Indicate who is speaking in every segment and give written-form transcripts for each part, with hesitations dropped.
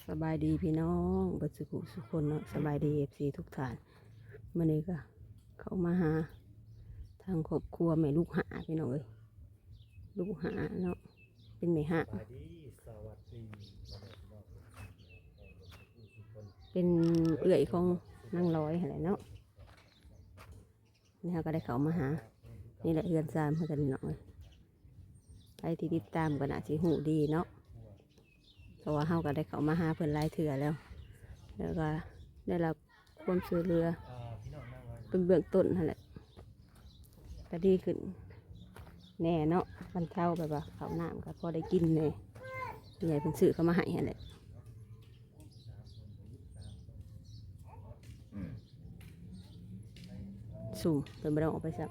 Speaker 1: สบายดีพี่น้องบัดสุขุสุคนเนาะสบายดีFCทุกท่านมื้อนี้ก็เข้ามาหาทางครอบครัวแม่ลูกหาพี่น้องเอ้ยลูกหาเนาะเป็นแม่หาเป็นเอื้อยของนางร้อยอะไรเนาะนี่เขาก็ได้เข้ามาหานี่แหละเฮือนซามเพื่อนกันเนาะใครที่ติดตามก็น่าสิหูดีเนาะเพราะว่าเฮาก็ได้เข้ามาหาเพิ่นหลายเถื่อแล้วก็ได้รับความช่วยเหลือเป็นเบื้องต้นนั่นแหละก็ดีขึ้นแน่เนาะบรรเทาแบบว่าข้าวน้ำก็พอได้กินเลยใหญ่เป็นสื่อเข้ามาให้นั่นแหละสุ่มเป็นไม่ต้องออกไปสั่ง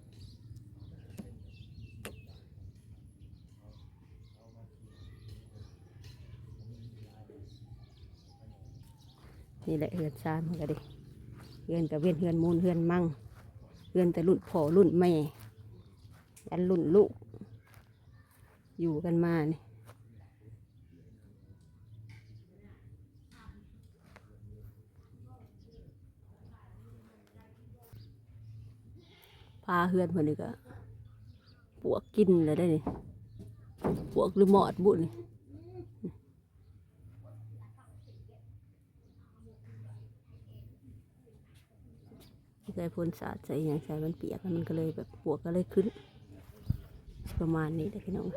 Speaker 1: นี่แหละเฮือนซานมันก็ดิเฮือนกับเวียนเฮือนมูลเฮือนมั่งเฮือนแต่รุ่นพ่อรุ่นแม่ยันรุ่นลูกอยู่กันมานี่พาเฮือนคนนี้ก็ปวกกินเลยได้นี่ปวกหรือหมอดบุญนี่ใส่พ่นสาดใส่อย่างใส่มันเปียกมันก็เลยแบบปวกก็เลยขึ้นประมาณนี้แต่พี่น้อง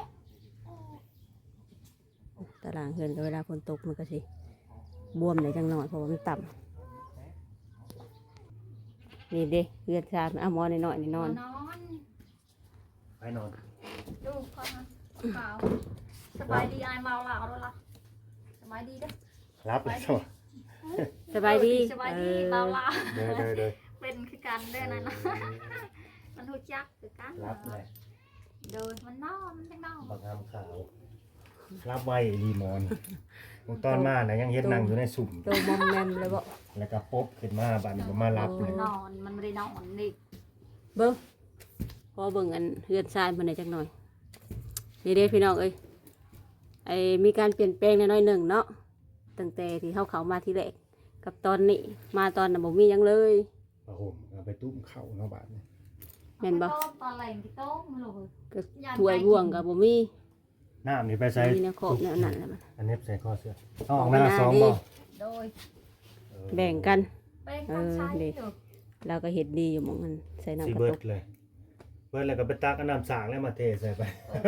Speaker 1: ตารางเฮือนก็เวลาฝนตกมันก็สิบวมในจังหน่อยเพราะว่ามันต่ำนี่เด้เฮือนชาเอาหมอนหน่อยนี่นอน
Speaker 2: ไปนอน
Speaker 3: ดูก่อนนะเปล่าสบายดีไอเมาเหล่าแล้วล่ะสบายดีเด้อ
Speaker 2: รับเลยสวัส
Speaker 1: สบายดี
Speaker 3: สบายดีเมาเหล่า
Speaker 2: เด้อ
Speaker 3: เป็นคือกันเด้อนั่นนะมันหูจักคือกัน
Speaker 2: รับเลย
Speaker 3: โดยมันนอนมันจังนอน
Speaker 2: บักงามขาวรับไว้รีมอนตอนมานะยังเฮ็ดนั่งอยู่ในสุ่ม
Speaker 1: โตมอมแมมเลยบ่
Speaker 2: แล้วก็ป๊บขึ้นมาบัดนี้มารับเลย
Speaker 3: นอนมันไม่ได้นอนนี่
Speaker 1: เบิ้งพอเบิ่งอันเฮือนชามันได้จักหน่อยนี่เด้พี่น้องเอ้ยไอมีการเปลี่ยนแปลงน้อยหนึ่งเนาะตั้งแต่ที่เขามาที่แรกกับตอนนี้มาตอนน่ะบ่มีหยังเลย
Speaker 2: ผ้าห่มเอาไปตุ้มเข่าเนาะบาดนี้
Speaker 1: แม่นบ่
Speaker 3: ตอนแรงที่โต๊ะมันเลย
Speaker 1: ก็ถ้วยบ่วงก็บ่มี
Speaker 2: น้ำนี่ไปใส่
Speaker 1: มีแนวขอบแนวนั้นแหละมัน
Speaker 2: อันนี้ใส่ข้อเสื้อต้องออกหน้าสองบ่
Speaker 3: โดย
Speaker 1: แบ่งกัน
Speaker 3: เป็นคนใช้อยู่
Speaker 1: เราก็เฮ็ดดีอยู่หม่องมันใส่น้ำ
Speaker 2: สิ
Speaker 1: กระ
Speaker 2: เบิ
Speaker 1: ต
Speaker 2: ด
Speaker 1: ก
Speaker 2: เลยเบิดแล้วก็ไปตักน้ำสางแล้วมาเทใส่ไป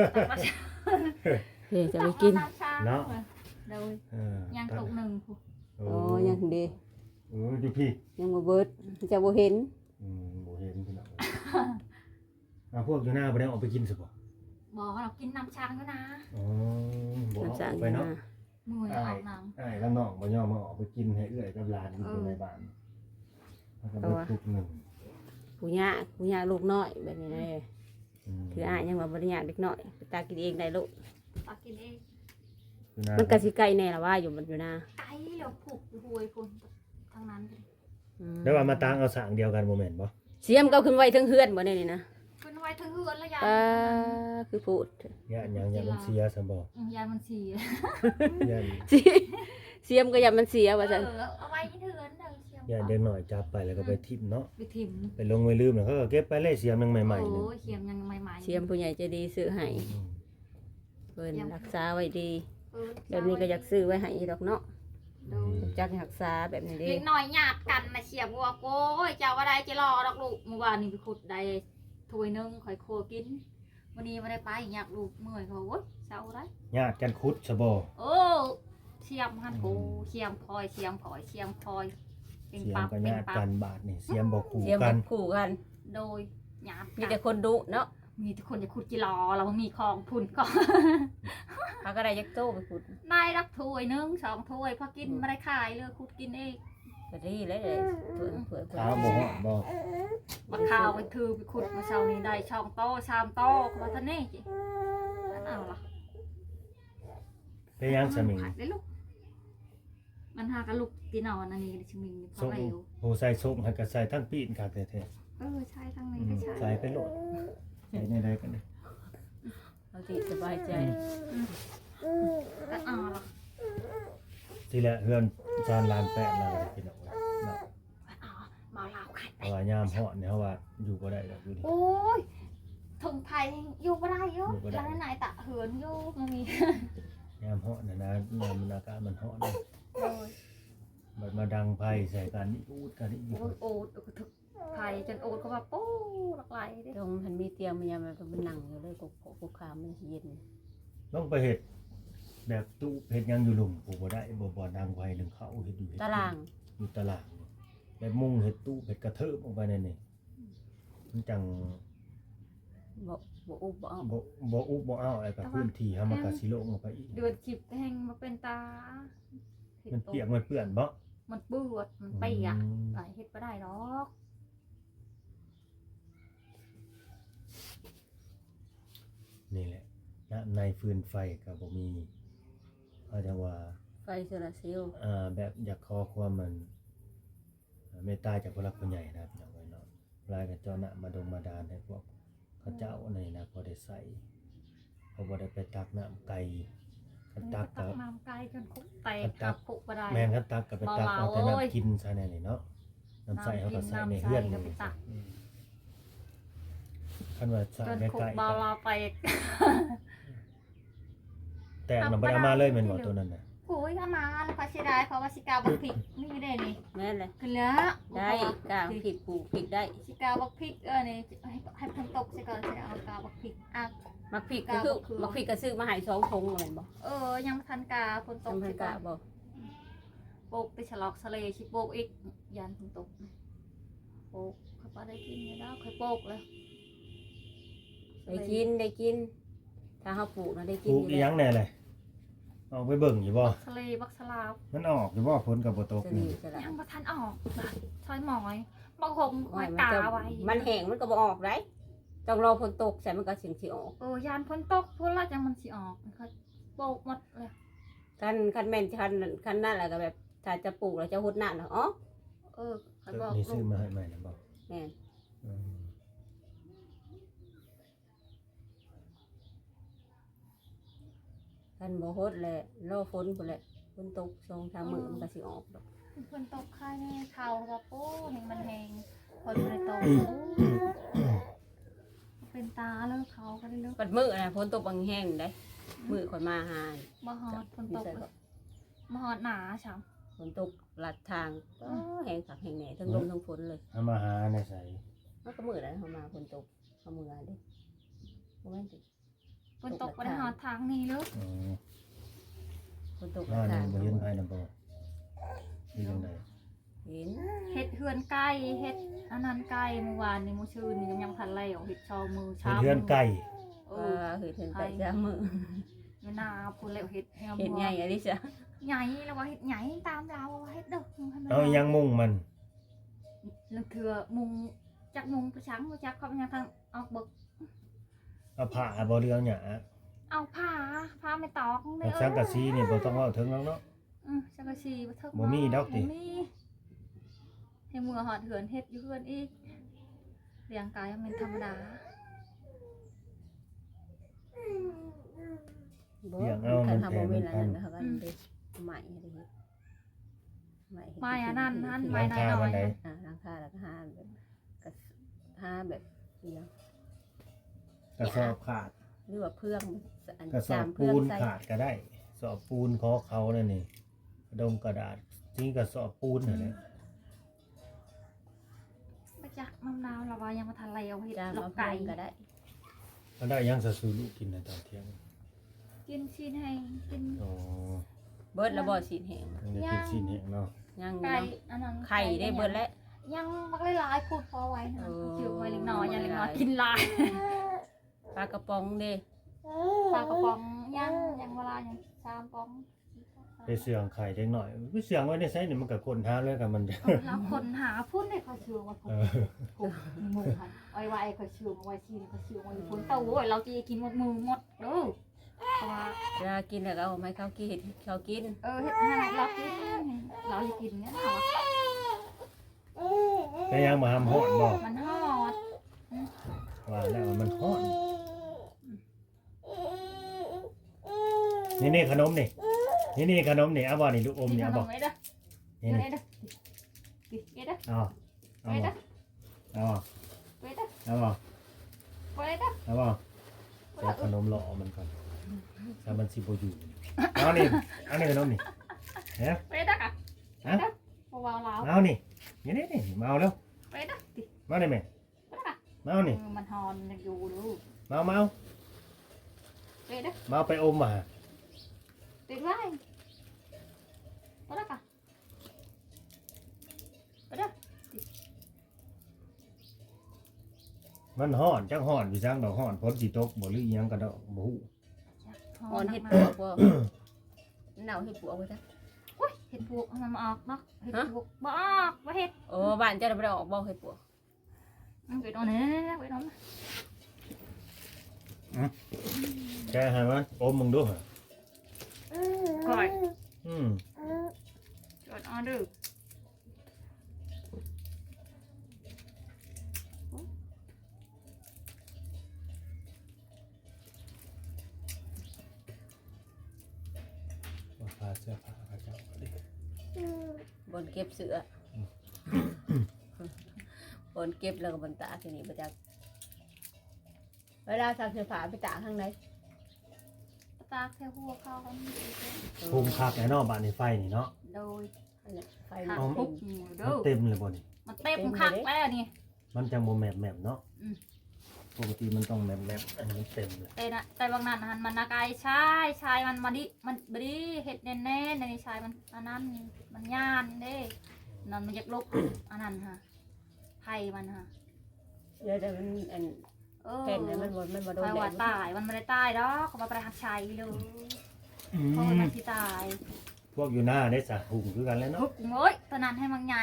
Speaker 1: เฮ้ยจะไปกิน
Speaker 2: เนาะ
Speaker 3: โดย
Speaker 2: ยั
Speaker 3: ยังตกหนึ่ง
Speaker 2: โอ้
Speaker 1: อ๋อยังดี
Speaker 2: อยู่พี่
Speaker 1: ยังบ่เบิดจะบ่เห็น
Speaker 2: บ่เห็นพี่น้องพวกอยู่หน้าบ่ได้ออกไปกินสิบ่
Speaker 3: บอกเรากินน้ำช้างก็นะ
Speaker 2: อ๋อบ่
Speaker 1: น้ำสาง
Speaker 2: ไปเนาะ
Speaker 3: มือออกน้ำ
Speaker 2: แล้วน้องบ่ยอมมาออกไปกินให้เอื้อยกับหลานอยู่ในบ้านแล้วก็เบิดทุกหนึ่ง
Speaker 1: ผู้ยากลูกน้อยแบบนี้เลยคืออ้ายยังว่าบ่ได้ยากเด็กน้อยไปตากินเองได้ลูก
Speaker 3: ตักกินเอง
Speaker 1: มันก็สิไกลแน่ล่ะว่าอยู่มันอยู่นะ
Speaker 3: ไก่เราผูกหวยคนทั้งนั้น
Speaker 2: ได้ว่ามาตั้งเอาสางเดียวกันบ่แม่นบ่
Speaker 1: เสียมก็ขึ้นไว้ทั้งเฮือนบ่ได้นี่นะ
Speaker 3: ขึ้นไว้ทั้งเฮือนแล้วยาย
Speaker 1: คือพูด
Speaker 2: ย่านหยังมันเสียซะบ่
Speaker 3: ยายมันเสีย
Speaker 2: ย่าน
Speaker 1: เสียมก็อย่ามันเสียว่าซั่น
Speaker 3: เอาไว้ที่เฮือนเด้อเสีย
Speaker 2: ย่านเด็กน้อยจับไปแล้วก็ไปทิ่มเนาะ
Speaker 3: ไปถิ่ม
Speaker 2: ไปลงไว้ลืมแล้วเขาก็เก็บไปเลยเสียมยังใหม่ๆนึง
Speaker 3: โอ้ยเขียมยังใหม่ๆ
Speaker 1: เสียมผู้ใหญ่ใจดีซื้อให้เพิ่นรักษาไว้ดีแบบนี้ก็อยากซื้อไว้ให้อีดอกเนาะจักรักษาแบบนี้เด้
Speaker 3: เล็กน้อยหยาดกันมาเสียบวัวโก้ยเจ้าว่าได้จะรอดอกลูกเมื่อวานนี้ไปขุดได้ถ้วยนึงข่อยโคกินวันนี้ไม่ได้ไปอยากลูกเมื่อยเขาโอ๊ยเศร้าได้
Speaker 2: ญาติกันคุดซะบ่
Speaker 3: โอ้เชียมหันโกเชียมพลอยเป็น
Speaker 2: เสียม
Speaker 3: ปั๊บ
Speaker 2: ก็
Speaker 3: เป็น
Speaker 2: ญาติ
Speaker 3: ปั๊
Speaker 2: กับ นบาดนี่เสียมบ่คู่
Speaker 1: เสียม
Speaker 2: กัน
Speaker 1: คู่กัน
Speaker 3: โดยหยาด
Speaker 1: มีแต่คนดุเนาะ
Speaker 3: มีทุกคนจะขุดจิรอเรามีของพุ่นก็
Speaker 1: เขาก็ได้ยักโตไปขุด
Speaker 3: ได้รับถ้วยนึง2 ถ้วยพอกินไม่ได้ขายเลยขุดกินเอง
Speaker 1: ก็ดีเลยเผื่อ
Speaker 2: ขาวบ่ฮอดบ่
Speaker 3: บักข้าวไปถือไปขุดมาเช้านี้ได้2 โต๊ะ3 โต๊ะมาท่านนี่จิเอาล่ะ
Speaker 2: ไปยังสมิง
Speaker 3: ได้ลูกมันหากระลุกตีนอนอันนี้ชิมิงพอ
Speaker 2: ส้ม
Speaker 3: เร็ว
Speaker 2: โหใส่ส้มให้ก็ใส่ทั้งปีนคักแท้
Speaker 3: ใช่ทั้งนี้ก็ใช่
Speaker 2: ๆใส่ไปโลดใส่ในใดกันนี่
Speaker 1: เขาติสบายใจ
Speaker 3: ก็เอาล่ะ
Speaker 2: สิแหละเฮือนจานลานแปะแล้วก็พี่น้องเอ้ยเนาะ
Speaker 3: อ๋อมาลาวขัน
Speaker 2: เพราะว่ายามฮ้อนเนี่ยเฮาว่าอยู่บ่ได้ดอกอยู่นี่
Speaker 3: โอ้ยถึงไทยอยู่บ่ได้อยู่
Speaker 2: อยู่บ่ได้
Speaker 3: แล้วไหนตะเหินอยู่มันมี
Speaker 2: ยามฮ้อนน่ะนะยามมันอากาศมันฮ้อนเนี่ย
Speaker 3: โอ้ย
Speaker 2: บัดมาดังไผใส่กันนี่อูดกันนี่
Speaker 3: โอ้ยโอดถึกไทยจนโอดเขาว่าปู้หลากหลายเด้
Speaker 1: ตรงมันมีเตียงมันยังมันนั่งอยู่เลยกุกคามมันเย็น
Speaker 2: ต้องไปเฮ็ดแบบตู้เฮ็ดหยังอยู่หลุมกูบ่ได้บ่ดังไผนึงเขาเฮ็ดอยู่เฮ็ด
Speaker 1: ตาราง
Speaker 2: อยู่ตารางแบบมุงเฮ็ดตู้เฮ็ดกระเทิบออกไปนั่นนี่มันจัง
Speaker 1: บ่อุบบ่เอา
Speaker 2: บ่อุบบ่อ้าวอะไรกับพื้นที่เฮามันก็สิโล่งออกไปอีก
Speaker 3: เดือดจิบแห้งมาเป็นตา
Speaker 2: มันเปียกมันเปื้อนบ่
Speaker 3: มันเปื้อนมันเปียกหลายเฮ็ดบ่ได้หรอก
Speaker 2: นี่แหละณในฟืนไฟก็บ่มีเขาจะว่า
Speaker 1: ไฟโซลาร์เซลล์
Speaker 2: แบบอยากขอความมันเมตตาจากผู้หลักผู้ใหญ่นะครับพี่น้องไว้เนาะรายกับเจ้าหน้ามาดงมาดานให้พวกเขาเจ้าในนะพอได้ใส่เขาบ่ได้ไปตักน้ำไก่คันตัก
Speaker 3: ตั
Speaker 2: ก็
Speaker 3: กน้ำไก่จนคุกแตกตักคุกบ่ได้
Speaker 2: แม่นคันตักก็ไปตักเอาแต่น้ำกินซะแน่นี่เนาะน้ำใส่เขาก็ใส่ในเฮือนนี่คันว่าใส่
Speaker 3: จน
Speaker 2: ใน
Speaker 3: คุก
Speaker 2: ไก่
Speaker 3: บาลาแตก
Speaker 2: แต่มันบ่ได้เอามาเลยแม่นบ่ตัวนั้นน่ะ
Speaker 3: โอ้ยเอามาแล้วก็เสียดายเพราะว่าสิกาบักพริกนี่ได้นี่
Speaker 1: แม่นเลย
Speaker 3: ขึ้นแล้ว
Speaker 1: ได้กางผิดปลูกผิดได้
Speaker 3: สิกาบักพริกนี่ให้ฝนตกซะก่อนสิเอากาบักพริกอ่ะ
Speaker 1: มักผิดก็คือมักผิดก็ซื้อมาให้2ถุงแม่นบ่
Speaker 3: ยังบ่ทันกาฝนตก
Speaker 1: จำเพิ่
Speaker 3: สิ
Speaker 1: น
Speaker 3: ก่
Speaker 1: กะ
Speaker 3: อน
Speaker 1: บ่
Speaker 3: โปกไปฉลอกทะเลสิโปกอีกยันฝนตกโปกเขาบ่ได้กินแล้วค่อยโปกเลย
Speaker 1: ได้กินถ้าเฮาปลูกนะได้กิ
Speaker 2: ป
Speaker 1: น
Speaker 2: ลูก
Speaker 1: อยู่
Speaker 2: อีห
Speaker 1: แล้
Speaker 2: ยั
Speaker 1: ว
Speaker 2: งแน่เลยออกไปเบิ่งอยู่บ่
Speaker 3: ทะเลบักสลาว
Speaker 2: มันออกอยู่บ่ฝนก็บ่ตก
Speaker 1: ส
Speaker 2: นี่
Speaker 1: ลีสละ
Speaker 3: ยังบ่ทันออกซอยหมอยบางคง
Speaker 1: โอ้ย
Speaker 3: กาไว้
Speaker 1: มันแห้งมันก็บ่ออกได้ต้องรอฝนตกใส่มันก็สิออก
Speaker 3: ยานฝนตกพุ่นละจังมันสิออกเขาโปกหมดเลย
Speaker 1: คันแม่นคันนั่นแหละก็แบบถ้าจะปลูกแล้วจะหดน้ำเนาะอ๋อ
Speaker 3: เขาบอก
Speaker 2: นี่
Speaker 3: ลู
Speaker 2: ซื้อก มาให้ใหม่นะบ่
Speaker 1: แม่น
Speaker 2: อืม
Speaker 1: คันบ่หดแหละรอฝนพุ่นแหละฝนตก2-3มื้อมันก็สิออกดอก
Speaker 3: ฝนตกค่ายแน่เขาแบบโอ้เห็นมันแหงคนบ่ได้ตกเป็นตาแล้วเขาก็ได้เลิก
Speaker 1: ปัดมื้อน่ะฝนตกบางแห้งได้มื้อค่อยมาหา
Speaker 3: บ่ฮอดฝนตกเลยบ่ฮอดหนาช้ำ
Speaker 1: ฝนตกลัดทางแห้งคักแห้งแหน่ทั้งลมทั้งฝนเลย
Speaker 2: เอามาหาในใส่
Speaker 1: มันก็มื้อนั้นเฮามาฝนตกเฮามื้อเด้บ่แม่นติ
Speaker 3: ฝนตกบ่ได้ฮอดทางนี้เลย
Speaker 2: อืม
Speaker 1: ฝนตก
Speaker 2: อ่า
Speaker 1: ลัด
Speaker 2: นี่
Speaker 1: ทาง
Speaker 2: บ่เห็นไผนำบ่นี่จังได๋
Speaker 1: เห็น
Speaker 3: เฮ็ดเฮือนไก่เฮ็ดอันนั้นไก่เมื่อวานนี้มื้อชื่นนี่ยังทันแล้วเฮ็ดชอมือ
Speaker 2: เฮ็ด
Speaker 3: ช้ำ
Speaker 2: เฮือนไก่
Speaker 1: เฮ็ดเห็นแต่จ้ามื้อ
Speaker 3: อยู่นาพุ่นแล้วเฮ็ดแฮม
Speaker 1: เฮ็ดใหญ่อะดิจ้ะ
Speaker 3: ใหญ่แล้วว่าเฮ็ดใหญ่ตามเราว่าเฮ็ดเด้อให้มัน
Speaker 2: เอาอีหยังมุ่งมัน
Speaker 3: แล้วเถื่อมุงจักมุงไปช้างบ่จักเขายังทางออกเบิก
Speaker 2: เอาผ้าบ่เรื่องหยัง
Speaker 3: เอาผ้าไม่ตอกเด้
Speaker 2: เอาสังกะสีนี่บ่ต้องเว้าถึงแล้วเนาะ
Speaker 3: จักรชีบ่เทิง
Speaker 2: บ่มีดอกติ
Speaker 3: บ่มีให้มือหอดเหือนเฮ็ดอยู่เฮือนอีกเลี้ยงกายมันธรรมดา
Speaker 1: คันทำบ่มีแล้วนั่นเขาก็ได้ใหม่อะไรเฮ็ดใหม่
Speaker 3: ไม้อันนั้นนั่นไม้
Speaker 2: ร้าน
Speaker 3: น้
Speaker 2: ค้า
Speaker 3: อ
Speaker 2: วัน
Speaker 3: ย
Speaker 2: ใด
Speaker 1: หลังคาแล้วก็หาแบบก็หาแบบเดียว
Speaker 2: กระสอบขาด
Speaker 1: หรือว่าเพื่องอัน
Speaker 2: กระสอ
Speaker 1: จา
Speaker 2: บ
Speaker 1: มเพื่
Speaker 2: ปู
Speaker 1: อง
Speaker 2: น
Speaker 1: ใส่
Speaker 2: ขาดก็ได้สอบปูนขอเขานั่นนี่กระดงกระดาษที่กระสอบปูนนั่นแหละ
Speaker 3: ๆบ่จักมะนาวละว่ายังบ่ทันแล้วเฮ็ด
Speaker 1: จาม
Speaker 3: ลอ
Speaker 1: มาก เพื่
Speaker 3: ไก่
Speaker 1: องก็ได้
Speaker 2: มันได้ยังสะสูลูกกินในตอนเที่ยง
Speaker 3: กินชิ้นให้กิน
Speaker 2: อ๋อ
Speaker 1: เบิดแล้วบ่สีแห้ง
Speaker 2: ยังได้กินชิ้นแห้งเนาะ
Speaker 1: ยัง
Speaker 3: ไก่
Speaker 1: เนาะ
Speaker 3: อันนั้น
Speaker 1: ไข่ได้เบิดแล้ว
Speaker 3: ยังบักหลายๆพูดพอไว้นะ
Speaker 1: เออ
Speaker 3: เชื่อไว้เล็กน้อยยังเล็กน้อยกินหลาย
Speaker 1: ปลากระป๋องเด้
Speaker 3: ปลากระป๋องยังเวลายัง3ป๋อง
Speaker 2: ไปเสื่องไข่เล็กหน่อยไปเสื่องไว้ในไซส์นี่มันกับคนท้าเลยกับมันจะ
Speaker 3: แล้วคนหาพุ่นได้เขาเชื่อว่าพุ่น
Speaker 2: เออ
Speaker 3: พุ่นมือค่ะไว้เขาเชื่อไว้ชีเขาเชื่อไว้พุ่นเต้าโว้ยเราจะกินหมดมือหมดเด้อเพราะว่า
Speaker 1: เวลากินแล้วก็เอาให้เขากินเขากิน
Speaker 3: เฮ็ดให้เรากินเราจะกินเนี่ยเนาะ
Speaker 2: แต่ยังมาทำหอนบอก
Speaker 3: มันฮอด
Speaker 2: ว่าแล้วมันหอนนี่ขนมนี่นี่ขนมนี่เอาบ่นี่ลูกอม
Speaker 3: นี่
Speaker 2: นี่
Speaker 3: ข
Speaker 2: เอา
Speaker 3: น
Speaker 2: บ่
Speaker 3: มไว้เด้อ
Speaker 2: นี่
Speaker 3: ไว้เด้อไว้เด้อ
Speaker 2: เอาเอา
Speaker 3: ไว้
Speaker 2: บ่
Speaker 3: เด้อ
Speaker 2: เอาบ่
Speaker 3: ไว้เด้อ
Speaker 2: เอาบ่
Speaker 3: ไว้เด้อ
Speaker 2: เอาบ่ใส่ขนมหล่อมันก่อนถ้ามันสิบ่อยู่เอานี่เอานี่ขนมนี่เฮ้ย
Speaker 3: ไว้เด้อค่ะ
Speaker 2: ฮะ
Speaker 3: เบาๆแล้ว
Speaker 2: เอานี่นี่มาเอาแล้ว
Speaker 3: ไว้เด้อติ
Speaker 2: มาได้ไหม
Speaker 3: ไว้เด้อค่ะ
Speaker 2: มาเอานี่
Speaker 3: มันฮอนยังอยู่ดู
Speaker 2: มาเอา
Speaker 3: ไว้เด้อ
Speaker 2: มาเอาไปอมมา
Speaker 3: ติดไว้ไว้เด้อค่ะไว้เด้อ
Speaker 2: มันฮ้อนจักฮ้อนอยู่จังดอกฮ้อนฝนสิตกบ่หรืออีหยังก็ดอกบ่ฮู้
Speaker 1: อ่อนเห็ดปวกบ่เน่าเห็ดปวกไปจ้ะ
Speaker 3: โอ้ยเห็ดปวกมันมาออกเนาะเห็ดปวกบ่ออกบ่เห็ด
Speaker 1: โอ้บ้านเจ้าได้ออกบ่เห็ดปวก
Speaker 3: ไปนอนนี่ไปนอน
Speaker 2: แกให้มันอมมึงดูหะ
Speaker 3: ก่อย
Speaker 2: อืม
Speaker 3: กดออเดอร์
Speaker 2: ว่าผ้าเสื้อผ้าเขาเจ้าก็ดิ
Speaker 1: บนเก็บเสือบนเก็บแล้วก็บนตากที่นี่ประจักเวลาซักเสื้อผ้าไปตากข้างใน
Speaker 3: ตากแค่หัวเขา
Speaker 2: ภูมิคักแน่เนาะบ้านนี้ไฟนี่เนาะ
Speaker 3: โดย
Speaker 1: อันนี้ไฟ
Speaker 3: หัก
Speaker 1: มัน
Speaker 3: ปุ๊บ
Speaker 2: มัน
Speaker 3: เด้อ
Speaker 2: เต็มเลยบ่นี่
Speaker 3: มันเต็มคักแล้วนี่
Speaker 2: มันจังบ่แมบๆเนาะ
Speaker 3: อืม
Speaker 2: ปกติมันต้องแมบๆอันนี้มันเต็มเลย
Speaker 3: แต่บางนั้นมันนากายชายมันมาดิมันบดีเห็ดแน่ๆในชายมันอันนั้นมันย่านเด้นั่นมันอยากลุกอันนั้นฮะไผ่มันฮะ
Speaker 1: เดี๋ยวมันอัน
Speaker 3: เ
Speaker 1: เป็นมันโดน
Speaker 3: ไผ่
Speaker 1: แด
Speaker 3: ว่า
Speaker 1: ด
Speaker 3: ตายมันไม่ได้ตายดอกเขามาประหักชัยเลย
Speaker 2: อื
Speaker 3: เพราะ
Speaker 2: ม
Speaker 3: มันที่ตาย
Speaker 2: พวกอยู่หน้าได้สะหุงคือกันแล้ว
Speaker 3: ทุ
Speaker 2: เนาะ
Speaker 3: กโอ้ยตอนนั้นให้มันใหญ่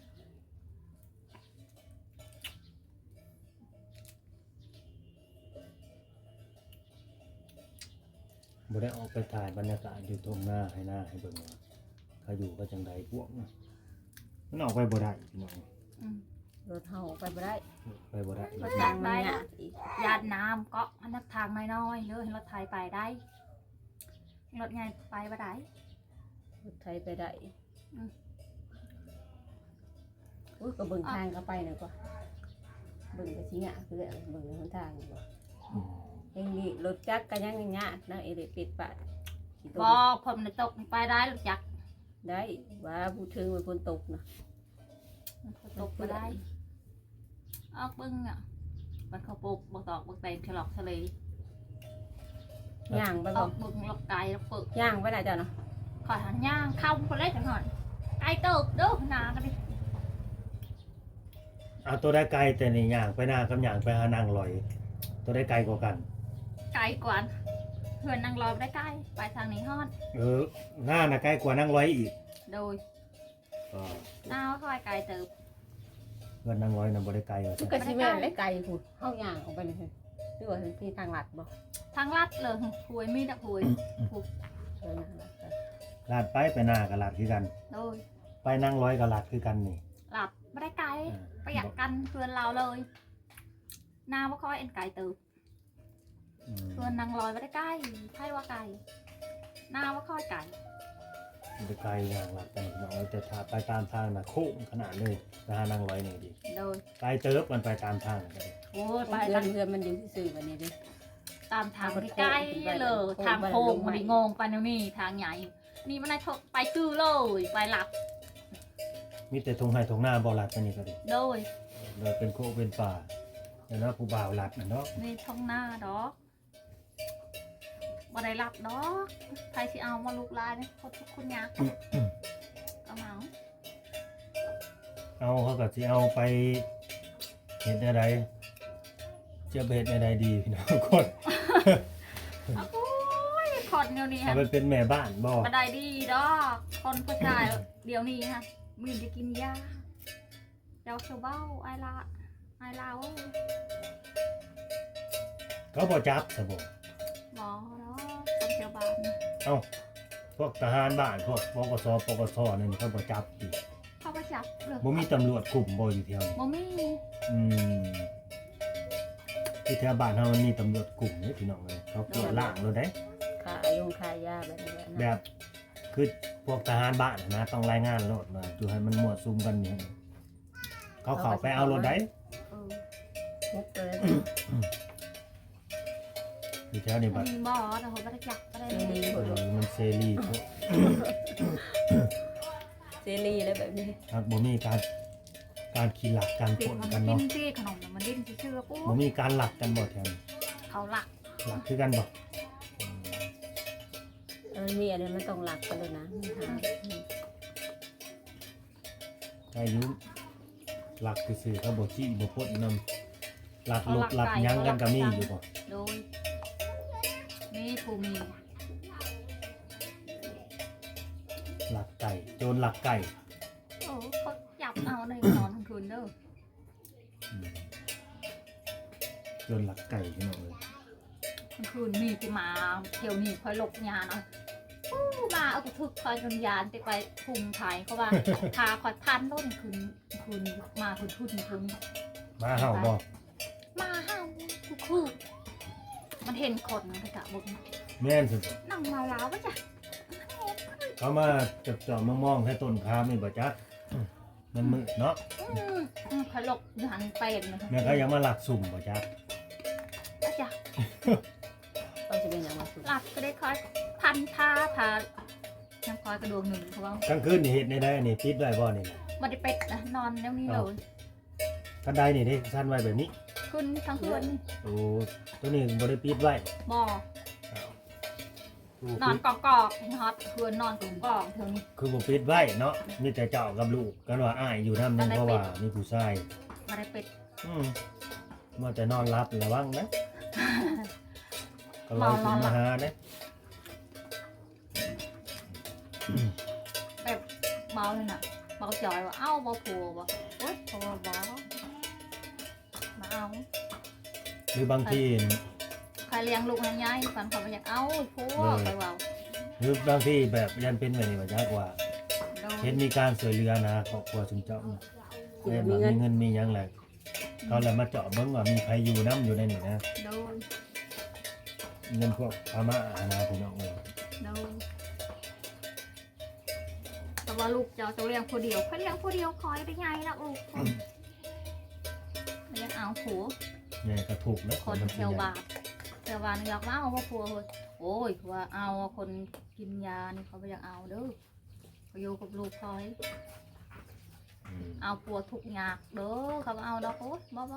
Speaker 2: บ่ได้ออกไปถ่ายบรรยากาศอยู่ตรงหน้าให้หน้าให้เบิ่งว่าเขาอยู่ก็จังใดพวกน่ะมันออกไปบ่ได้พี่น้อง
Speaker 1: รถเฮาไปบ่ได้
Speaker 2: ไปบ่ได้
Speaker 1: รถทางมันยากอีก
Speaker 3: ยาดน้ำก็อันนักทางน้อยๆเลยให้รถไทยไปได้รถใหญ่ไปบ่ได้
Speaker 1: รถไทยไปได้
Speaker 3: อืม
Speaker 1: อุ้ยก็เบิ่งทางก็ไปหน่อยกว่าเบิ่งก็สิยากคือเบิ่งหนทางบ่
Speaker 2: อืม
Speaker 1: เองนี่รถจักรก็ยังยากนะเอเดปิดปะสิตก
Speaker 3: บอกผมในตกไปได้รถจักร
Speaker 1: ได้ว่าผู้ถึงมันฝนตกนะ
Speaker 3: ตกไปได้ออกบึ้งอ่ะมันเขาปลูกบักตอกบักเตนฉลอกทะเล
Speaker 1: ย่างไป
Speaker 3: อ
Speaker 1: บ่
Speaker 3: อกบึ้งหลอกไก่หลอกปึก
Speaker 1: ย่างไปได้จ้ะเนาะ
Speaker 3: ขอหันย่างเข้าคนเล็กจังหน่อยไก่เติบเด้อหนากันดิ
Speaker 2: เอาตัวได้ไกลแต่นี่ย่างไปหน้ากับย่างไปหานางลอย ตัวได้ไกลกว่ากัน
Speaker 3: ไก่กว่าเพื่อนนางลอยไปได้ไก่ไปทางนี้ฮอด
Speaker 2: หน้าน่ะใกล้กว่านางลอยอีก
Speaker 3: โดย
Speaker 2: ก็
Speaker 3: หน้าว่าคอยไก่เติบ
Speaker 2: เพื่อนนางลอยน่ะบ่ได้ไกลว่า
Speaker 1: มัน
Speaker 2: ซั่น
Speaker 1: ก็สิแม่นได้ไกลพุ่นเฮาย่างออกไปนี่หรือว่าที่ทางลัดบ่
Speaker 3: ทางลัดเลยพวยมีดอะพวย
Speaker 1: เออนั่นล่ะ
Speaker 2: ลาดไปหน้าก็ลาดคือกัน
Speaker 3: โดย
Speaker 2: ไปนางลอยก็ลาดคือกันนี่
Speaker 3: หลับไม่ได้ไก่
Speaker 2: อ่า
Speaker 3: ประหยัดกันเพื่อนเราเลยหน้าว่าคอยเอ็นไก่เติบ
Speaker 2: อืม
Speaker 3: เพื่อนนางลอยไม่ได้ไก่ไพ่ว่าไก่หน้าว่าคอยไก่
Speaker 2: บ่ได้ไกลอย่างลาดกันพี่น้องแต่ถ้าไปตามทางน่ะโค้งขนาดเลยไปหานางลอยนี่ดิ
Speaker 3: โดย
Speaker 2: ไกลเติบมันไปตามทางก็ได้
Speaker 3: โอ้ยไป
Speaker 1: เพื่อ
Speaker 3: ทาน ง
Speaker 1: เพื่อนมันอยู่ซื่อๆบัดนี้เด้
Speaker 3: ตามทางไปไกลเลยทางโค้งมันได้งงไปแล้วนี่ทางใหญ่ นี่มันได้ทกไปคือเลยไปหลับ
Speaker 2: มีแต่ทงไห้ทงหน้าบ่ลาดไปนี่ก็ดิ
Speaker 3: โดย
Speaker 2: เลยเป็นโคกเป็นป่าแล้วนะผู้บ่าวลาดน่ะเนาะ
Speaker 3: นี่ท้องหน้าดอกบ่ได้หลับดอกใครสิเอามาลูกลายเนี่ยคนทุกคนยากเอาเหมา
Speaker 2: เอาเขาก็สิเอาไปเฮ็ดอะไรจะไปเฮ็ดอะไรดีพี่น้องคน
Speaker 3: เอาโอ้ยคนเดียวนี้
Speaker 2: เอา
Speaker 3: ฮะ
Speaker 2: ไปเป็นแม่บ้านบ่
Speaker 3: บ่ได้ดีดอกคนผู้ชายเดี๋ยวนี้ฮะมีจะกินยาเจ้าเชาเบ้าไอลาเว้ย
Speaker 2: เขาบ่จับซะบ่
Speaker 3: หมอเนาะคนเชาวบ้าน
Speaker 2: พวกทหารบ้านพวกปกสนั่นเขาบ่จับอีก
Speaker 3: เขาก็จับเลย
Speaker 2: บ่มีตำรวจกลุ่มบ่อยู่แถวนี้
Speaker 3: บ่มี
Speaker 2: อืมที่แถวบ้านเฮามันมีตำรวจกลุ่มนี่พี่น้องเอ้ยเขาตรวจล่างรถได้
Speaker 1: ขายงขายยาแบบนี้แหละ
Speaker 2: แบ
Speaker 1: นะ
Speaker 2: บคือพวกทหารบ้านนะต้องรายงานรถว่าอยู่ให้มันมั่วซุมกันนี่เขาเข้าไปเอารถได้
Speaker 3: เออ
Speaker 1: มุกเลย
Speaker 2: อยู่แถวนี้บัด
Speaker 3: มีบ่แต่เขาไม่ได้จักก็ได้
Speaker 2: มันเซรีพวก
Speaker 1: เซรีอะไรแบบนี้
Speaker 2: ครับบ่มีการขี่หลักการ
Speaker 3: เด็
Speaker 2: ป
Speaker 3: ก
Speaker 2: น
Speaker 3: มัน
Speaker 2: กัน
Speaker 3: ดิ้
Speaker 2: เนาะ
Speaker 3: นที่ขนมมันดิ้นชื่อๆปุ๊
Speaker 2: บ่
Speaker 3: บ
Speaker 2: มีการหลักกันบ่แถวนี้
Speaker 3: เขาหลัก
Speaker 2: หลักคือกันบ่
Speaker 1: มันมีอะไรมันต้องหลักกันเลยนะ
Speaker 2: ใครอยู่หลักซื่อๆเขาบ่ขี้บ่ปนนำหลักลบหลักหยังกันก็มีอยู่บ่
Speaker 3: โดยมีผู้มี
Speaker 2: หลักไก่โจรหลักไก่
Speaker 3: โอ้เขาจับเอาในนอนทั้งคืนเด้อ
Speaker 2: อืมโจรหลักไก่พี่น้องเอ้ย
Speaker 3: ทั้งคืนมีที่มาเที่ยวนี่คอยหลบยาเนาะอู้มาเอากระทึกคอยจนยานไปไปพุงไทยเขาว่า พาคอยพันต้นคืนมาคืน
Speaker 2: มาเห่าบ่
Speaker 3: มาห้าวคือมันเห็นคนมันกระบุก
Speaker 2: แม่นสุด
Speaker 3: นั่งเมาแล้ววะจ้ะ
Speaker 2: เขามาจับจอบมองๆให้ต้นคามนี่บ่จักมันมืดเนาะ
Speaker 3: คอยหลบหันเป็นเลย
Speaker 2: แม่เขายังมาหลักสุ่มบ่จัก
Speaker 3: วะจ้ะ
Speaker 1: ต้องจะเป็นอย่างมาสุด
Speaker 3: หลับก็ได้คอยพันพาน้ำคอยกระดวงหนึ่งเขาบอก
Speaker 2: กลางคืนนี่เฮ็ดได้อันนี้ปิดไว้บ่นี่นะ
Speaker 3: มันได้เป็ดนะนอนแล้วนี่เลย
Speaker 2: กันไดนี่ได้สั้นไว้แบบนี้
Speaker 3: ขึ้นทั้งคืนนี่
Speaker 2: โอ้ตัวนี้บ่ได้ปิดไว้
Speaker 3: บ่อ
Speaker 2: อ้าว
Speaker 3: นอนกอกฮอตคืนนอนกอกเท่านี้
Speaker 2: คือบ่ปิดไว้เนาะมีแต่เจ้ากับลูกกันว่าอ้ายอยู่นำนึงเพราะว่ามีผู้ชาย
Speaker 3: มาได้เป็ด
Speaker 2: มาแต่นอนรับระวังนะก็ลอยขึ้นมาหาเด้
Speaker 3: แบบเมาเลยน่ะเมาจอยว่าเอ้าเมาผัวบ่โอ๊ยผัวบ่มาเอา
Speaker 2: หรือบางที
Speaker 3: ใครเลี้ยงลูกให้ยายฝันเขาไปอยากเอาผัวไปว่า
Speaker 2: หรือบางทีแบบยันเป็นแบบนี้ว่าจักว่า
Speaker 3: โดน
Speaker 2: เห็นมีการช่วยเหลือนะครอบครัวชุมเจ้าแม่แบบมีเงินมีหยังแหละเขาเลยมาเจาะเบิ่งว่ามีใครอยู่น้ำอยู่ในนี่นะ
Speaker 3: โดน
Speaker 2: เงินพวกพม่านะพี่น้องเอ้ย
Speaker 3: โดนแต่ว่าลูกเจ้าจะเลี้ยงผู้เดียวเขาเลี้ยงผู้เดียวคอยได้ไงล่ะลูกเลี้ยงเอาผัว
Speaker 2: แม่ก็ถูกแล้ว
Speaker 3: คนเทวบาทเทวบาทอยากมาเอาว่าผัวเลยโอ้ยว่าเอาคนกินยานี่เขาไม่อยากเอาเด้อเขาอยู่กับลูกคอย
Speaker 2: อืม
Speaker 3: เอาผัวทุกอยากเด้อเขาเอาดอกโอ๊ยบ่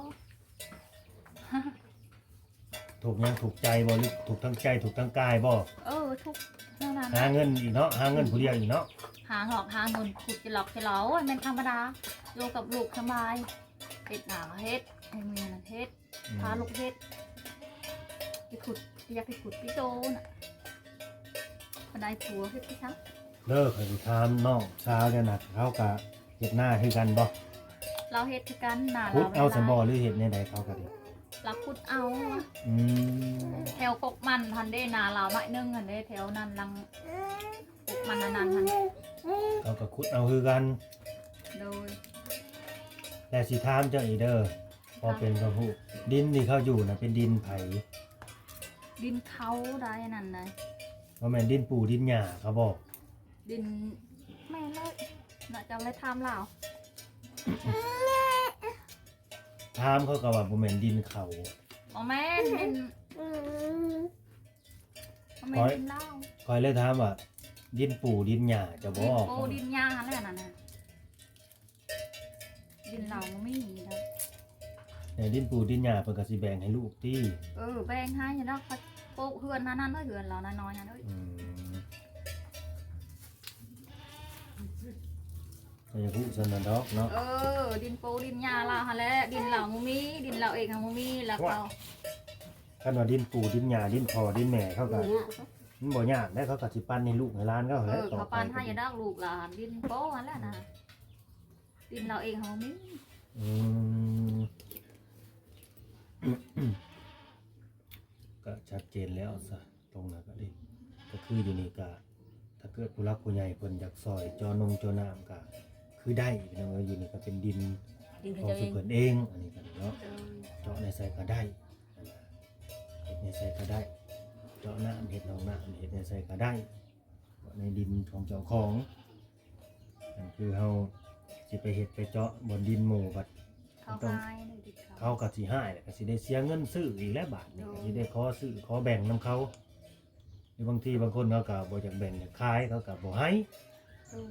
Speaker 2: ถูกหยังถูกใจบ่หรือถูกทั้งใจถูกทั้งกายบ่
Speaker 3: ทุกเท่านั้น
Speaker 2: หาเงินอีกเนาะหาเงินผู้เดียวอีกเนาะ
Speaker 3: หาหอกหาเงินขุดจะหลอกจะเหลาเป็นธรรมดาอยู่กับลูกสบายเฮ็ดหนาเฮ็ดให้เมียนั่นเฮ็ด พาลูกเฮ็ดไปขุดอยากไปขุดพี่โจน่ะบันไดผัวเฮ็ดพี่ช้าง
Speaker 2: เลิกให้ถามน้องสาวเนี่ยนะเขาก็เฮ็ดหน้าคือกันบ่
Speaker 3: เราเฮ็ดคือกันหนา
Speaker 2: ขุด
Speaker 3: เรา
Speaker 2: เอาสมบ่หรือเฮ็ดในใดเขาก็ดี
Speaker 3: เราขุดเอา
Speaker 2: อืม
Speaker 3: แถวกกมันทันได้นาเราหน่อยนึงทันได้แถวนั้นลังกกมันนานๆทัน
Speaker 2: เขาก็ขุดเอาคือกัน
Speaker 3: โดย
Speaker 2: แต่สิถามเจ้าอีเด้อพอเป็นพระผู้ดินที่เขาอยู่น่ะเป็นดินไผ
Speaker 3: ดินเขาได้นั่นนะ
Speaker 2: บ่แม่นดินปู่ดินหญ้าเขาบอก
Speaker 3: ดินแม่เลยน่าจะเอาไปทำเรา
Speaker 2: ถามเขาก็ว่าบ่แม่นดินเขา
Speaker 3: บอกแม่นดินบ่แม่นดินเหล้า
Speaker 2: คอยเลยถามว่าดินปู่ดินหญ้าจะบ่
Speaker 3: ดิน
Speaker 2: ออก
Speaker 3: โปดินยาอะไรนั่นน่ะดินเราไม่มีนะ
Speaker 2: แต่ดินปู่ดินหญ้าเพิ่นก็สิแบ่งให้ลูกติ
Speaker 3: แบ่งให้อยู่เนาะโปเฮือนนั่นเฮือนเราน้อยๆนั่นเอ้ย
Speaker 2: อืมก็อย่าพูดซั่นน่ะดอกเนาะ
Speaker 3: ดินโปดินยาเราฮะแหละดินเราบ่มีดินเราเองบ่มีแล้วก็
Speaker 2: คันว่าดินปู่ดินหญ้าดินพ่อดินแม่เขาก็มันบ่ยากได้เขาก็สิปั้นให้ลูกให้หลานเขาแหละต่อ
Speaker 3: เขา
Speaker 2: ไป
Speaker 3: ปานให้อยู่ดอกลูกหลานดินโปนั่นแหละนะดินเราเองบ่มี
Speaker 2: อืม ก็ชัดเจนแล้วซะตรงนั้นก็ดีก็คืออยู่นี่ก็ถ้าเกิดผู้รักผู้ใหญ่เพิ่นอยากซอยจอนงจอน้ำก็คือได้พี่น้องเอ้ยอยู่นี่ก็เป็นดิน
Speaker 1: ดิน
Speaker 2: ของ
Speaker 1: เขา
Speaker 2: สุ
Speaker 1: เอง
Speaker 2: เพิ่นเองอันนี้ก็เนาะเจาะในใส่ก็ได้เฮ็ดในใส่ก็ได้เจาะน้ำเฮ็ดหนองน้ำเฮ็ดในใส่ก็ได้ในดินของเจ้าของนั่นคือเฮาสิไปเฮ็ดไปเจาะบนดินหมู่บัด
Speaker 3: เขาหายเลยดิเขา
Speaker 2: เขาก็สิหายแหละก็สิได้เสียเงินซื้ออีกแล้วบาทนี่ก็สิได้ขอซื้อขอแบ่งนํเขาหรือบางทีบางคนเขาก็บ่อยากแบ่งอยากขายเขาก็บ่ให้
Speaker 3: ตู้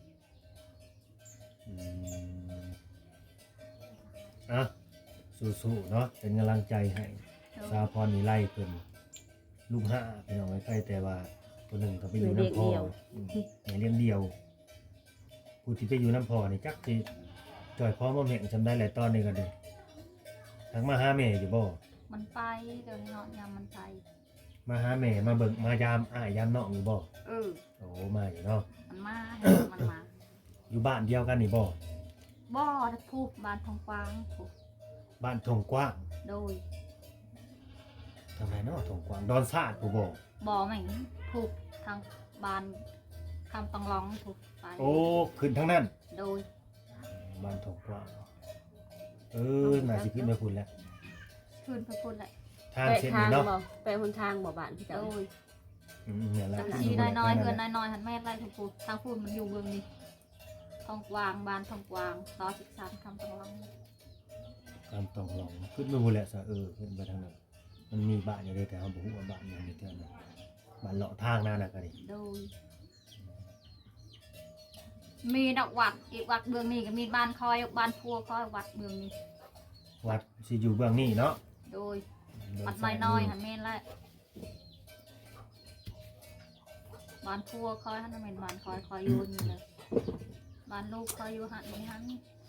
Speaker 2: อืมอ่ะสู้ๆเนาะเป็นกำลังใจให้สาพรนี่ไล่เพิ่นลูกห้าพี่น้องไว้ใกล้แต่ว่าตัวหนึ่งก็ไปอยู่น้ำพอในเลี้ยงเดียวผู้ที่ไปอยู่น้ำพอนี่จักสิจ่อยพร้อมบ่แม่งจำได้หลายตอนนี้ก็ดีทักมาหาแม่อยู่บ่
Speaker 3: มันไปเดี๋ยวนี้เนาะยามมันไป
Speaker 2: มาหาแม่มาเบิ่งมายามอ้ายยามน้องอยู่บ่
Speaker 3: เออ
Speaker 2: โอ้มาอยู่เนาะ
Speaker 3: มันมามันมา
Speaker 2: อยู่บ้านเดียวกันนี่บ่
Speaker 3: บ่อพูบบ้านทองกวางพูบ
Speaker 2: บ้านทงกว้าง
Speaker 3: โดย
Speaker 2: ทางไหนเนาะทงกว้างดอนซาดผู้บ่
Speaker 3: บ่อแม่งพูบทางบ้านคำตังร้องพูบไป
Speaker 2: โอ้ขึ้นทางนั้น
Speaker 3: โดย
Speaker 2: บ้านทงกว้างน่าสิขึ้นไปพุ่นแล้ว
Speaker 3: คืนพระคุณแหละ
Speaker 2: ทาง
Speaker 1: ไป
Speaker 2: เส้น
Speaker 1: ทาง
Speaker 2: นี้เนาะ
Speaker 1: บ่ไปหนทางบ่บ้านพี่
Speaker 3: โด
Speaker 1: เจ้าย
Speaker 2: เนี่ยแหละ
Speaker 3: จัง
Speaker 2: ขึ้น
Speaker 3: สี
Speaker 2: ไป
Speaker 3: น้อยๆ
Speaker 2: ทาง
Speaker 3: เงินน้อยๆหันแม่ไล่ทุกพูทางพูดมันอยู่เมืองนี้ทองกวางบ้านทองกวางต่อ13คำตังร้อง
Speaker 2: การต้องลองขึ้นไปพุ่นแหละซะขึ้นไปทางนั้นมันมีบ้านอยู่เด้แต่เฮาบ่ฮู้ว่าบ้านหยังนี่เท่านั้นบ้านเลาะทางนั่นน่ะก็ดิ
Speaker 3: โดยมีดอกวัดอีกวัดเมืองนี้ก็มีบ้านคอยบ้านพัวคอยวัดเมืองนี้
Speaker 2: วัดสิอยู่เบื้องนี้เนาะ
Speaker 3: โดยวัดน้อยๆหันแม่นแหละบ้านพัวคอยหันแม่นบ้านคอยอยู่นี่เลยบ้านลูกคอยอยู่หันนี่หัน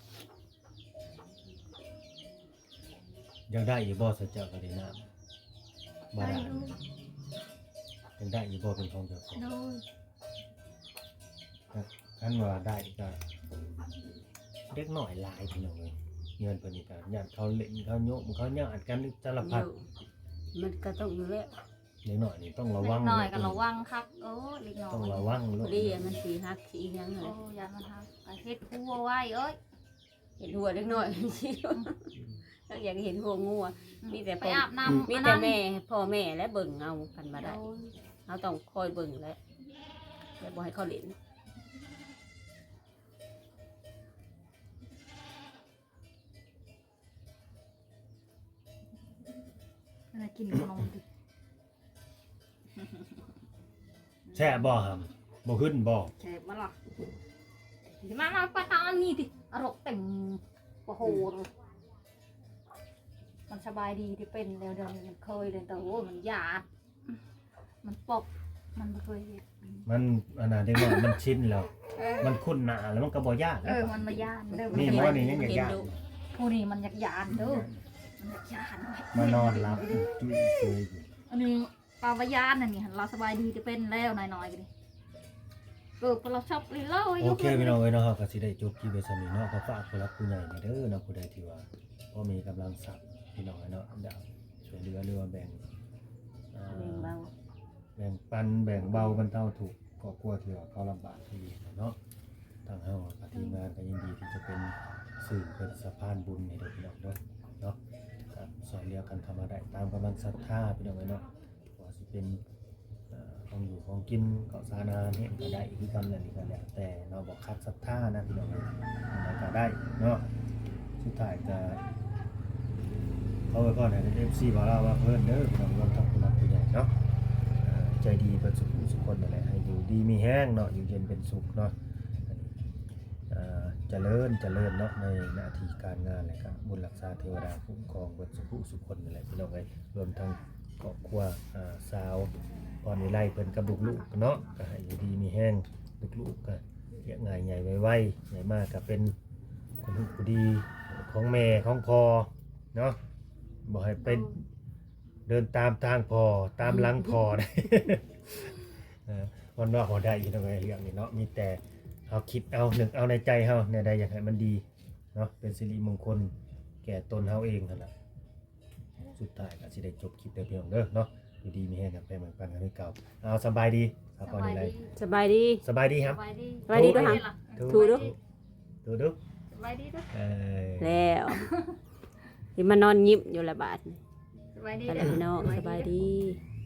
Speaker 2: ยังได้อยู่บ่ซะเจ้าก็ได้น้ำบ่
Speaker 3: ได้
Speaker 2: ได้
Speaker 3: ดู
Speaker 2: ยังได้อยู่บ่เป็นของเจ้าของ
Speaker 3: โดย
Speaker 2: คันว่าได้ก็เด็กน้อยหลายพี่น้องเอ้ยเงินเพิ่นนี่ก็ญาติเขาเล่นเขาโยมเขาญาติกันสารพัด
Speaker 1: มันก็ต้องอยู่แล้ว
Speaker 2: เด็กน้อยนี่ต้องระ
Speaker 3: เล็
Speaker 2: วัง
Speaker 3: กน้อยกันระวังคักเล็กน้อย
Speaker 2: ต้องระวัง
Speaker 1: พ
Speaker 2: ลู
Speaker 1: อก ดีมันสีหักสีหยังเล
Speaker 3: โอ้
Speaker 1: ย
Speaker 3: ยามันหักเฮ็ดหัวไว้เอ้ย
Speaker 1: เห็นหัวเล็กน้อยสิถ้าอยากเห็นหัวงูอะมีแต่
Speaker 3: ไปอาบน้ำ
Speaker 1: มีแต่แม่พ่อแม่และเบิ่งเอากันมา
Speaker 3: โด
Speaker 1: ได้
Speaker 3: ย
Speaker 1: เราต้องคอยเบิ่งและบ่ให้เขาเล่น
Speaker 3: อะไรกินขนมดิ
Speaker 2: แช่บ่หำบ่ขึ้นบ่
Speaker 3: เจ็บมาหรอมาปะตานี่ดิอารมณ์เต็มโอ้โหมันสบายดีที่เป็นแล้วเดิมมันเคยเลยแต่โอ้มันหยาดมันปกมันไม่เคยเห็น
Speaker 2: มันอันนั้นเด็กน้อยมันชินแล้ว มันคุ้นหน้าแล้วมันก็บ่ยาก
Speaker 3: มันมาย่านเด้อ
Speaker 2: นี่บ่นี่ยังอยากยาก
Speaker 3: ผู้นี้มันอยากยานเด้อมันอยากยาน
Speaker 2: มานอนหลับจุ้ยเซยอยู่
Speaker 3: อันนี้ปลาวายานน่ะนี่เราสบายดีจะเป็นแล้วหน่อยๆกันดิเกิดเราชอบลีเล่า
Speaker 2: โอเคพี่น้องเอ้ยเนาะก็สิได้จบคลิปไว้ซั่นนี้เนาะก็ฝากผู้รักผู้ใหญ่นี่เด้อเนาะผู้ใดที่ว่าบ่มีกำลังทรัพย์พี่น้องเอ้ยเนาะอยากช่วยเหลือหรือว่าแบ่งอ่า
Speaker 1: เบิ่งเบา
Speaker 2: แบ่งปันแบ่งเบาบรรเทาทุกข์ครอบครัวที่ว่าเขาลำบากที่เนาะทางเฮากับทีมงานก็ยินดีที่จะเป็นสื่อเป็นสะพานบุญให้เด็กพี่น้องเด้อเนาะครับสอนเรียกกันทำมาได้ตามกำลังศรัทธาพี่น้องเอ้ยเนาะว่าสิเป็นของอยู่ของกินข้าวสารอาหารเนี่ยก็ได้คือกันนั่นนี่ก็แล้วแต่เราบอกคัดศรัทธานะพี่น้องเอ้ยอะไรก็ได้เนาะสุดท้ายก็เขาไปก่อนให้ FC บอกเราว่าเพิ่นเด้อพี่น้องรวมทั้งผู้รักผู้ใหญ่เนาะ ใจดีประสุขสุขคนนั่นแหละให้อยู่ดีมีแห้งเนาะอยู่เย็นเป็นสุขเนาะเจริญเนาะในหน้าที่การงานอะไรครับบุญรักษาเทวดาคุ้มครองเบิดสุขคนนั่นแหละพี่น้องเอ้ยรวมทั้งครอบครัวสาวพรวิไลเพิ่นกับลูกๆเนาะก็ให้อยู่ดีมีแห้งลูกๆก็เลี้ยงง่ายใหญ่ไวๆใหญ่มากก็เป็นคนผู้ดีของแม่ของพ่อเนาะบ่ให้เป็น เดินตามทางพอตามหลังพอได้ วันว่าพอได้อยู่ตรงไหนเรื่องนี้เนาะมีแต่เอาคิดเอาหนึ่งเอาในใจเฮาเนี่ยได้อย่างไรมันดีเนาะเป็นสิริมงคลแก่ตนเฮาเองนั่นแหละสุดท้ายก็สิได้จบคลิปได้เพียงเด้อเนาะอยู่ดีมีแห้งกันไปเหมือนกันกันที่เก่าเอาสบายดีครับตอนนี้ไร
Speaker 1: สบายดี
Speaker 2: สบายดีครับ
Speaker 3: สบายดี
Speaker 1: สบายดีด้วยค่ะ ถูดู
Speaker 2: ดู
Speaker 3: สบายดีด้วย
Speaker 1: แล้วที่มานอนยิ้มอยู่ละบาท
Speaker 3: สบายดี
Speaker 1: ไปแล้วพี่น้องสบายดี